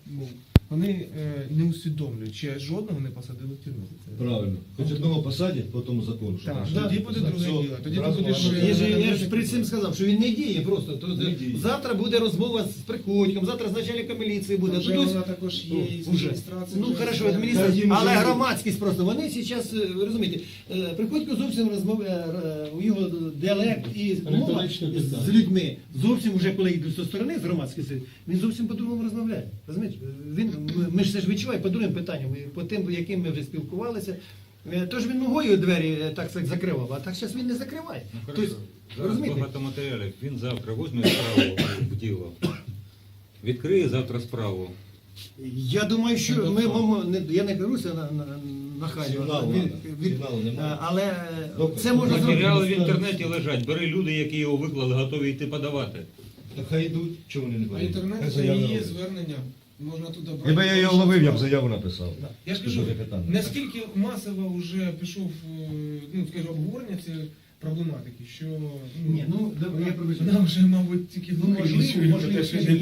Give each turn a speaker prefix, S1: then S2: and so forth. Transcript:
S1: вони не усвідомлюють, чи жодного не посадили в тюрму.
S2: Правильно. Хоч одного посадять по тому закону. що
S1: Так,
S2: там.
S1: тоді буде друге діло. Тоді ти
S2: Зразу
S1: будеш...
S2: ладно.
S3: Я ж при цим сказав, що він не діє просто. То,
S2: Не діє.
S3: завтра буде розмова з Приходьком, завтра з начальником міліції буде.
S1: Вже
S3: Тут
S1: вона також є і з
S3: уже.
S1: адміністрації.
S3: Ну
S1: вже
S3: хорошо,
S1: з-
S3: адміністрація,
S2: Та їм
S3: але
S2: вже-
S3: громадськість просто. Вони зараз, ви розумієте, Приходько зовсім розмовляє, у його діалект і мова
S4: Риторичне питання.
S3: з людьми. Зовсім вже коли йдуть зі сторони, з громадськості, він зовсім по-другому розмовляє. Розумієте? Ми ж це ж відчуваємо по другим питанням, по тим, яким ми вже спілкувалися. Тож він ногою двері так сказати, закривав, а так зараз він не закриває. Тобто,
S5: Зараз
S3: розумієте?
S5: багато матеріалів. Він завтра візьме справу в діло. Відкриє завтра справу.
S3: Я думаю, що я не беруся на хай,
S2: Сигналу надо. Сигналу немає.
S3: але
S2: Добре.
S3: це можна
S5: Матеріали в
S3: зробити.
S5: інтернеті лежать. Бери люди, які його виклали, готові йти подавати.
S2: Та хай йдуть, чого вони не
S1: А
S2: поїдуть?
S1: інтернет
S2: Хай
S1: це
S2: заяву
S1: і є
S2: роблять.
S1: звернення. Можна туди брати.
S2: Якби я його ловив, я б заяву написав.
S1: Я ж кажу,
S2: Дуже питання.
S1: наскільки масово вже пішов, ну, скажімо, обговорення цієї проблематики, що
S3: Ні, ну, я пробачаю.
S1: нам вже, мабуть, тільки
S3: Ну, можливо,
S1: чують про те, що